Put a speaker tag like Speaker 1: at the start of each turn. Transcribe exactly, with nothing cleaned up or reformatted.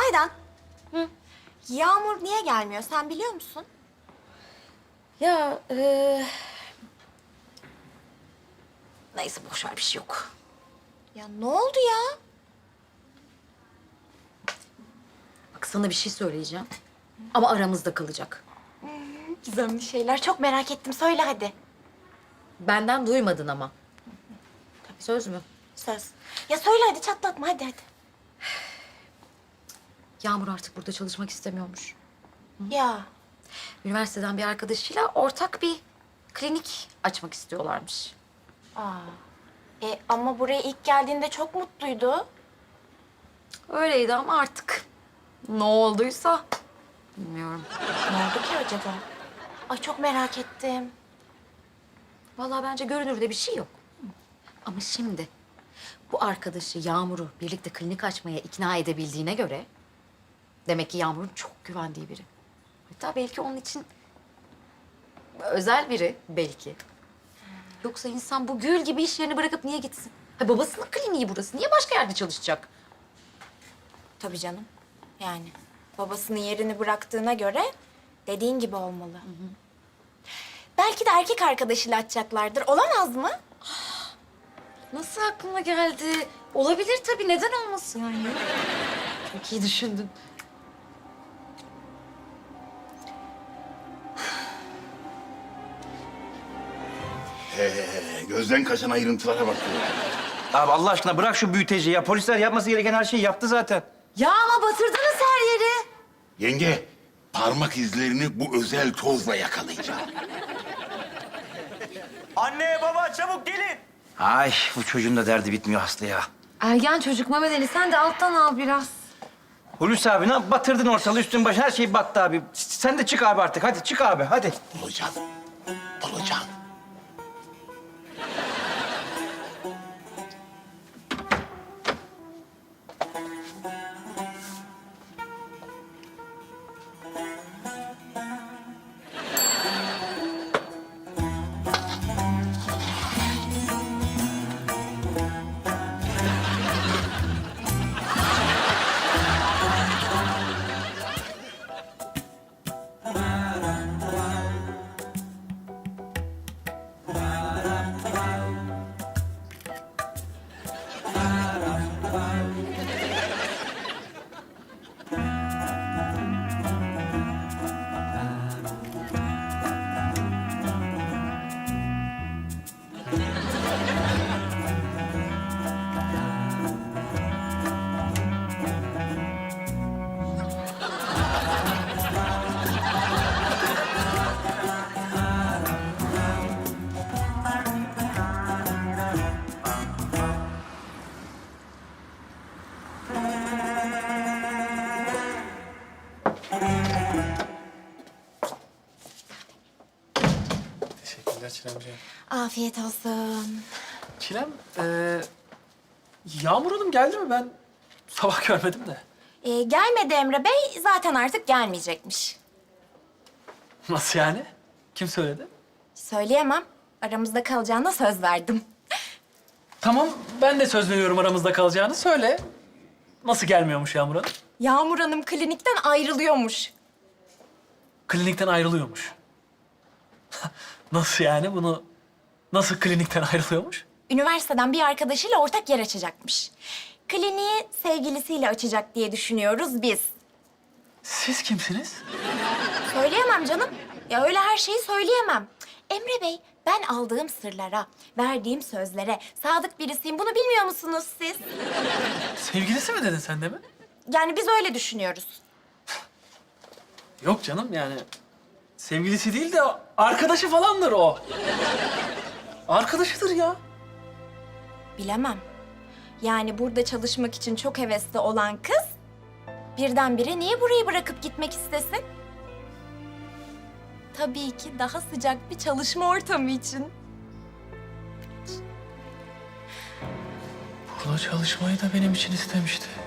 Speaker 1: Aydan. Hı? Yağmur niye gelmiyor sen biliyor musun?
Speaker 2: Ya e... neyse boş ver bir şey yok.
Speaker 1: Ya ne oldu ya?
Speaker 2: Bak sana bir şey söyleyeceğim. Ama aramızda kalacak.
Speaker 1: Gizemli şeyler çok merak ettim. Söyle hadi.
Speaker 2: Benden duymadın ama. Söz mü?
Speaker 1: Söz. Ya söyle hadi çatlatma hadi hadi.
Speaker 2: Yağmur artık burada çalışmak istemiyormuş.
Speaker 1: Ya
Speaker 2: Üniversiteden bir arkadaşıyla ortak bir klinik açmak istiyorlarmış.
Speaker 1: aa. E, ama buraya ilk geldiğinde çok mutluydu.
Speaker 2: Öyleydi ama artık ne olduysa bilmiyorum.
Speaker 1: Ne oldu ki acaba? Ay çok merak ettim.
Speaker 2: Vallahi bence görünürde bir şey yok. Ama şimdi bu arkadaşı Yağmur'u birlikte klinik açmaya ikna edebildiğine göre demek ki Yağmur'un çok güvendiği biri. Hatta belki onun için özel biri belki. Yoksa insan bu gül gibi iş yerini bırakıp niye gitsin? Ha, babasının kliniği burası. Niye başka yerde çalışacak?
Speaker 1: Tabii canım. Yani babasının yerini bıraktığına göre dediğin gibi olmalı. Belki de erkek arkadaşıyla açacaklardır. Olamaz mı?
Speaker 2: Nasıl aklına geldi? Olabilir tabii. Neden olmasın yani? Çok iyi düşündün.
Speaker 3: He, gözden kaçan ayrıntılara bak.
Speaker 4: Abi Allah aşkına bırak şu büyüteci ya. Polisler yapması gereken her şeyi yaptı zaten.
Speaker 2: Ya ama batırdınız her yeri.
Speaker 3: Yenge, parmak izlerini bu özel tozla yakalayacağım.
Speaker 5: Anne, baba çabuk gelin.
Speaker 4: Ay bu çocuğun da derdi bitmiyor Aslı ya.
Speaker 2: Ergen çocuk Mehmet Ali sen de alttan al biraz.
Speaker 4: Hulusi abi ne yap- batırdın ortalığı üstün başın her şey battı abi. S- Sen de çık abi artık hadi çık abi hadi.
Speaker 3: Bulacağım, bulacağım.
Speaker 5: Teşekkürler Çilemciğim.
Speaker 1: Afiyet olsun.
Speaker 5: Çilem, ee, Yağmur Hanım geldi mi? Ben sabah görmedim de.
Speaker 1: Ee, gelmedi Emre Bey. Zaten artık gelmeyecekmiş.
Speaker 5: Nasıl yani? Kim söyledi?
Speaker 1: Söyleyemem. Aramızda kalacağına söz verdim.
Speaker 5: Tamam, ben de söz veriyorum aramızda kalacağını. Söyle. Nasıl gelmiyormuş Yağmur Hanım?
Speaker 1: Yağmur Hanım klinikten ayrılıyormuş.
Speaker 5: Klinikten ayrılıyormuş. Nasıl yani? Bunu nasıl klinikten ayrılıyormuş?
Speaker 1: Üniversiteden bir arkadaşıyla ortak yer açacakmış. Kliniği sevgilisiyle açacak diye düşünüyoruz biz.
Speaker 5: Siz kimsiniz?
Speaker 1: Söyleyemem canım. Ya öyle her şeyi söyleyemem. Emre Bey, ben aldığım sırlara, verdiğim sözlere sadık birisiyim. Bunu bilmiyor musunuz siz?
Speaker 5: Sevgilisi mi dedin sen de mi?
Speaker 1: Yani biz öyle düşünüyoruz.
Speaker 5: Yok canım yani. Sevgilisi değil de arkadaşı falandır o. Arkadaşıdır ya.
Speaker 1: Bilemem. Yani burada çalışmak için çok hevesli olan kız... birdenbire niye burayı bırakıp gitmek istesin? Tabii ki daha sıcak bir çalışma ortamı için.
Speaker 5: Burada çalışmayı da benim için istemişti.